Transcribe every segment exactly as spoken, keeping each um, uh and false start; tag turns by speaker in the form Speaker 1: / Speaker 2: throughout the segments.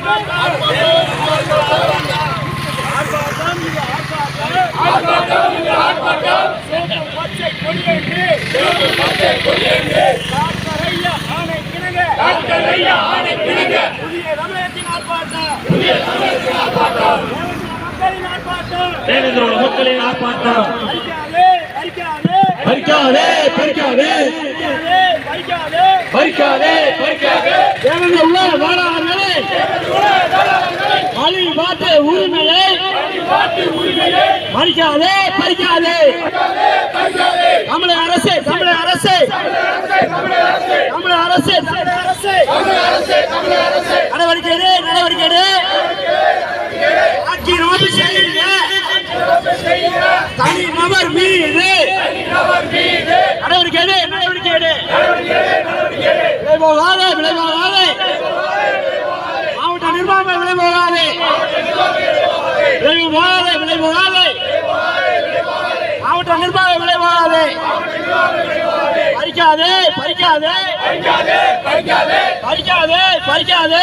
Speaker 1: மக்களின் ஆர்ப்பாட்டம் பறிக்காதே பறிக்காதே பறிக்காதே பறிக்காதே தேவனுள்ள வாழாளர்களே அழி பாட்டு உரிமையை பறிக்காதே பறிக்காதே தமிழக அரசு தமிழக அரசு தமிழக அரசு நடவடிக்கை நடவடிக்கை ஆட்சி நோக்கி செய்யுங்க தனி நபர் மீது நடவடிக்கை நடவடிக்கை விளைவாகாத விளைவாகாத மாவட்ட நிர்வாகம் விளைவாகாத விளைவாகாத விளைவாகாத மாவட்ட நிர்வாகம் விளைவாகாத பறிக்காதே பறிக்காதே பறிக்காதே பறிக்காதே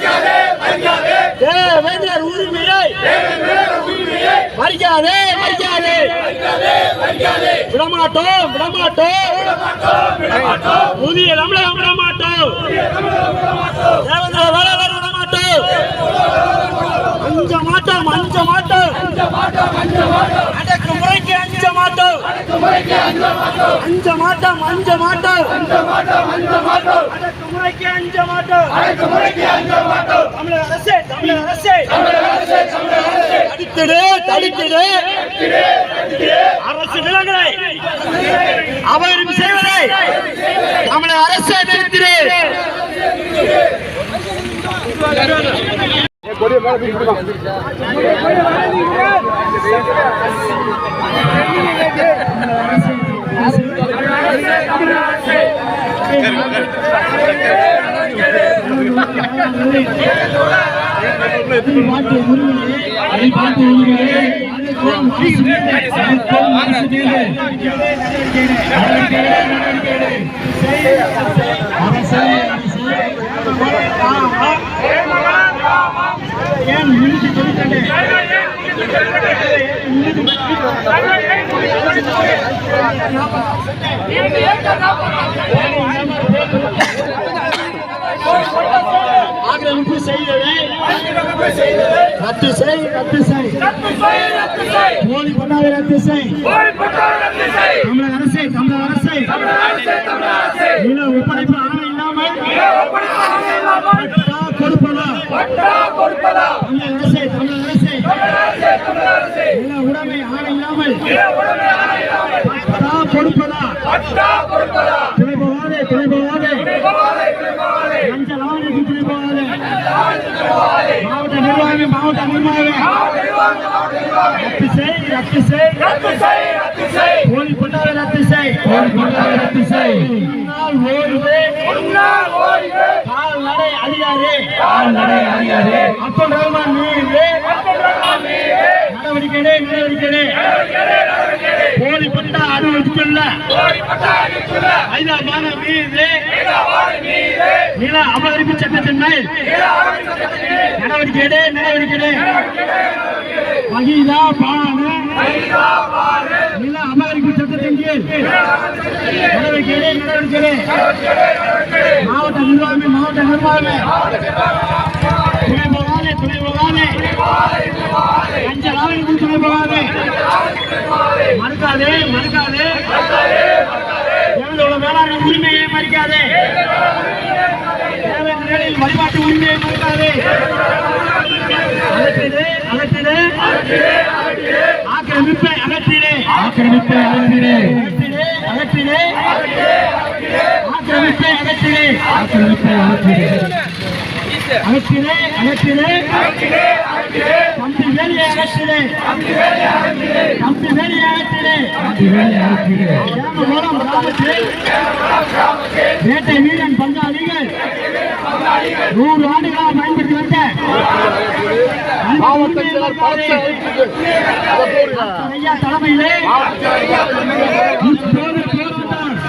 Speaker 1: தேவேந்திரர் உரிமையை பறிக்காதே பறிக்காதே விடமாட்டோம் விடமாட்டோம் புதிய தமிழகம் விடமாட்டோம் தேவேந்திர வேளாளர் விடமாட்டோம் அஞ்ச மாட்டோம் அஞ்ச மாட்டோம் அடக்குமுறைக்கு அஞ்ச மாட்டோம் அஞ்ச மாட்டோம் அஞ்ச மாட்டோம் அடக்குமுறைக்கு அஞ்ச மாட்டோம் தமிழக அரசே தமிழக அரசே தடுத்திடு தடுத்திடு அரசு நிலங்களை அபகரிப்பு செய்வதை தமிழக அரசே நிறுத்திடு. ஆக்கிரமிப்பு செய்ததை ரத்து செய் ரத்து செய் போலி பட்டாவை ரத்து செய் தமிழக அரசை தமிழக அரசை நில ஒப்படைப்பு ஆணை இல்லாமல் கொடுப்பதா தமிழக அரசை தமிழக அரசை நில உடைமை ஆணை இல்லாமல் கொடுப்பதா துணை போகாதே துணை போகாதே லஞ்ச லாவணிக்கு துணை போகாதே மாவட்ட நிர்வாகம் மாவட்ட நிர்வாகம் ரத்து செய் ரத்து செய் போலி பட்டாவை ரத்து செய் போலி பட்டாவை ரத்து செய் கால்நடை அதிகாரி கால்நடை அதிகாரி அப்துல் ரஹ்மான் மீது நடவடிக்கை நடவடிக்கை போலி பட்டா அனுமதித்துள்ள ஐந்தாம் மீது நில அபகரிப்பு சட்டத்தின் மேல் நடவடிக்கை நடவடிக்கை மகிழா பான நில அபகரிப்பு சட்டத்தின் கீழ் நடவடிக்கை நடவடிக்கை மாவட்ட நிர்வாகமே மாவட்ட நிர்வாகமே துணை போகாதே துணை போகாதே லஞ்ச லாவணிக்கு துணை போகாதே மறுக்காதே மறுக்காதே எவ்வளவு வேளாண் உரிமையை மறுக்காதே தேவையில் வழிபாட்டு உரிமையை மறுக்காதே அகற்றிடு அகற்றிடு ஆக்கிரமிப்பை அகற்றிடு ஆக்கிரமிப்பை அகற்றிடு அகற்றிடு ஆக்கிரமிப்பை அகற்றிடு ஆக்கிரமிப்பை அகற்றிடு அகற்றிடு அகற்றிடு தம்பி வேலையை அகற்றிடு தம்பி வேலையை அகற்றிடு மூலம் கிராமத்தில் வேட்டை வீரன் பங்காளிகள் நூறு ஆண்டுகளாக பயன்படுத்தி வந்த ஐயா தலைமையிலே இப்போது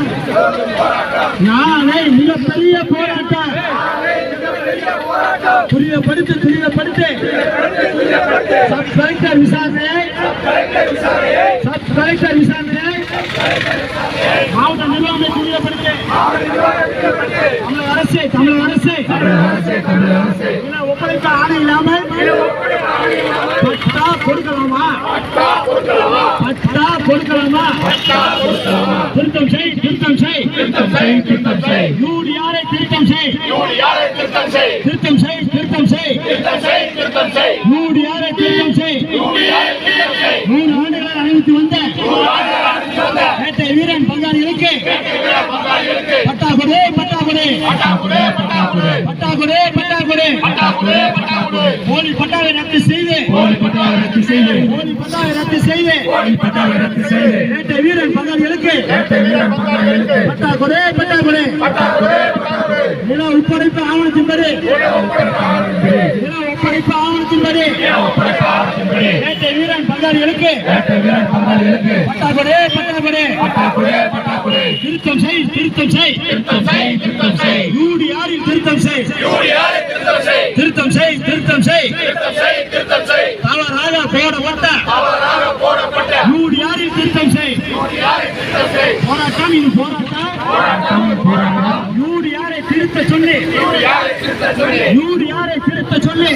Speaker 1: போராட்டம் நாளை மிகப்பெரிய போராட்டம் துரிதப்படுத்து துரிதப்படுத்து சப் கலெக்டர் விசாரணையை சப் கலெக்டர் விசாரணையை மாவட்ட நிர்வாகத்தை துரிதப்படுத்து தமிழக அரசு தமிழக அரசு ஒப்படைக்க ஆணை இல்லாமல் பட்டா கொடுக்கலாமா பட்டா கொடுக்கலாமா திருத்தம் செய் திருத்தம் செய் திருத்தம் செய் யூடிஆரை திருத்தம் செய் திருத்தம் செய் திருத்தம் செய் யூடிஆரை திருத்தம் செய் மூணு ஆண்டுகளை அனுமதி வந்த வேட்டை வீரன் பங்காளிகளுக்கு பட்டா கொடு பட்டா கொடு பட்டா கொடு பட்டா கொடு போலி பட்டாவை ரத்து செய்து போலி பட்டாவை ரத்து செய்து போலி பட்டாவை ரத்து செய்து போலி பட்டாவை ரத்து செய்து வேட்டை வீரன் பங்காளிகளுக்கு வேட்டை வீரன் பங்காளிகளுக்கு பட்டா கொடு பட்டா கொடு பட்டா கொடு பட்டா கொடு நில ஒப்படைப்பு ஆவணத்தின்படி நில ஒப்படைப்பு ஆவணத்தின்படி வேட்டை வீரன் பங்காளிகளுக்கு வேட்டை வீரன் பங்காளிகளுக்கு பட்டா கொடு பட்டா கொடு பட்டா கொடு பட்டா கொடு திருத்தம் செய் திருத்தம் செய் திருத்தம் செய் திருத்தம் செய் யூடிஆரில் திருத்தம் செய் யூடிஆரில் திருத்தம் செய் திருத்தம் செய் திருத்தம் செய் திருத்தம் செய் திருத்தம் செய் தவறாக போடப்பட்ட தவறாக போடப்பட்ட யூடிஆரில் திருத்தம் செய் யூடிஆரில் திருத்தம் செய் போராட்டம் இது போராட்டம் போராட்டம் போராட்டம் யூடிஆரை திருத்த சொல்லி யூடிஆரை திருத்த சொல்லி யூடிஆரை திருத்த சொல்லி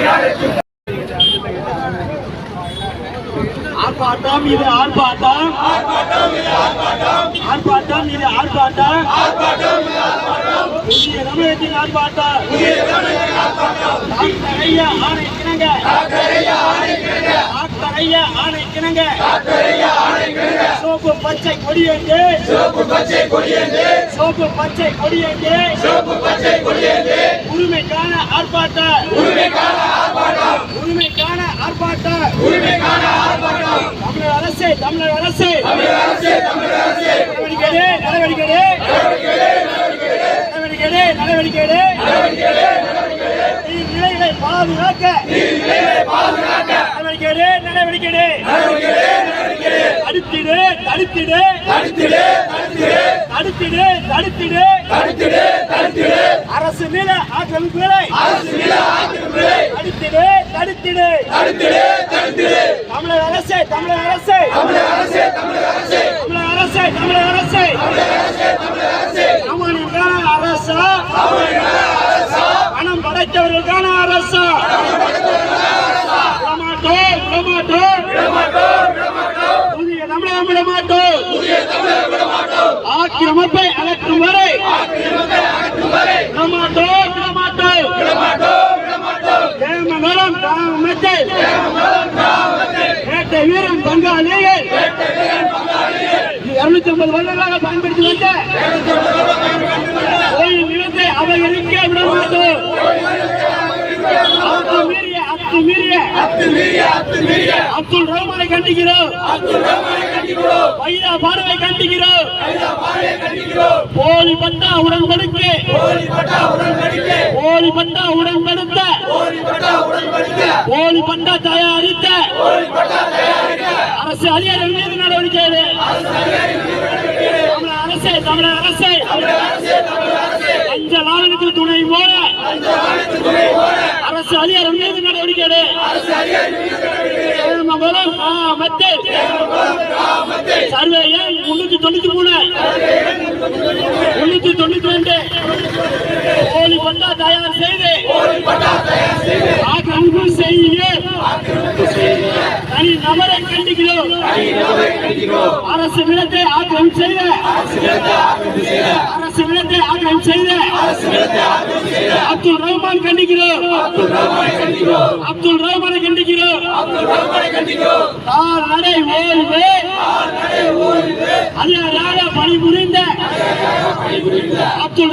Speaker 1: ஆர்ப்பாட்டம் இது ஆர்ப்பாட்டம் ஆர்ப்பாட்டம் இது ஆர்ப்பாட்டம் புதிய தமிழகத்தின் ஆர்ப்பாட்டம் டாக்டர் ஐயா ஆணை கிணங்க டாக்டர் ஐயா ஆணை கிணங்க சோப்பு பச்சை கொடியேந்து சோப்பு பச்சை கொடியேந்து சோப்பு பச்சை கொடியேந்து சோப்பு பச்சை கொடியேந்து உரிமைக்கான ஆர்ப்பாட்டம் உரிமைக்கான ஆர்ப்பாட்டம் உரிமைக்கான ஆர்ப்பாட்டம் உரிமைக்கான ஆர்ப்பாட்டம் தமிழக அரசு தமிழக அரசு தமிழக அரசு தமிழக அரசு நடவடிக்கை நடவடிக்கை நடவடிக்கை நடவடிக்கை நிலைகளை பாதுகாக்க நடவடிக்கை நடவடிக்கை தடுத்திடு தடுத்திடு தடுத்திடு தடுத்திடு தடுத்திடு தடுத்திடு தடுத்திடு அரசு மீத ஆக்கிரமிப்புகளை தடுத்திடு தடுத்திடு தடுத்திடு தடுத்திடு தமிழக அரசு தமிழக அரசு தமிழக அரசு தமிழக அரசு தமிழக அரசு தமிழக அரசு தமிழக அரசு சாமானியர்களுக்கான அரசா பணம் படைத்தவர்களுக்கான அரசா புதிய தமிழகம் விட மாட்டோம் ஆக்கிரமிப்பை அகற்றும் வரை விடமாட்டோம் விடமாட்டோம் ஏமங்கலம் கிராமத்தில் வேட்டை வீரன் பங்காளிகள் இருநூத்தி ஐம்பது வருடங்களாக பயன்படுத்தி வந்த கோயில் நிலத்தை அபகரிக்க விட மாட்டோம் அப்துல் ரஹ்மானை கண்டிக்கிறோம் வைரா பார்வை கண்டிக்கிறோம் போலி பட்டா உடன்படிக்கை போலி பட்டா உடன்படுத்த போலி பட்டா தயாரித்த அரசு அதிகாரிகள் மீது நடவடிக்கை தமிழக அரசு தமிழக அரசு அஞ்சல் ஆவணத்தில் துணை போல அரசு அதிகாரம் மீது நடவடிக்கை சர்வே எண் முன்னூத்தி தொண்ணூத்தி மூணு முன்னூத்தி தொண்ணூத்தி ரெண்டு போலி பட்டா தயார் செய்து ஆக்கிரமிப்பு செய்ய தனி நபரை கண்டிக்கிறோம் அரசு நிலத்தை ஆக்கிரமிப்பு செய்த அரசு நிலத்தை ஆக்கிரமிப்பு செய்த அப்துல் ரஹ்மான் கண்டிக்கிறோம் அப்துல் ரஹ்மானை கண்டிக்கிறோம் நடை ஓய்வு அதிகாரியாக பணிபுரிந்த அப்துல்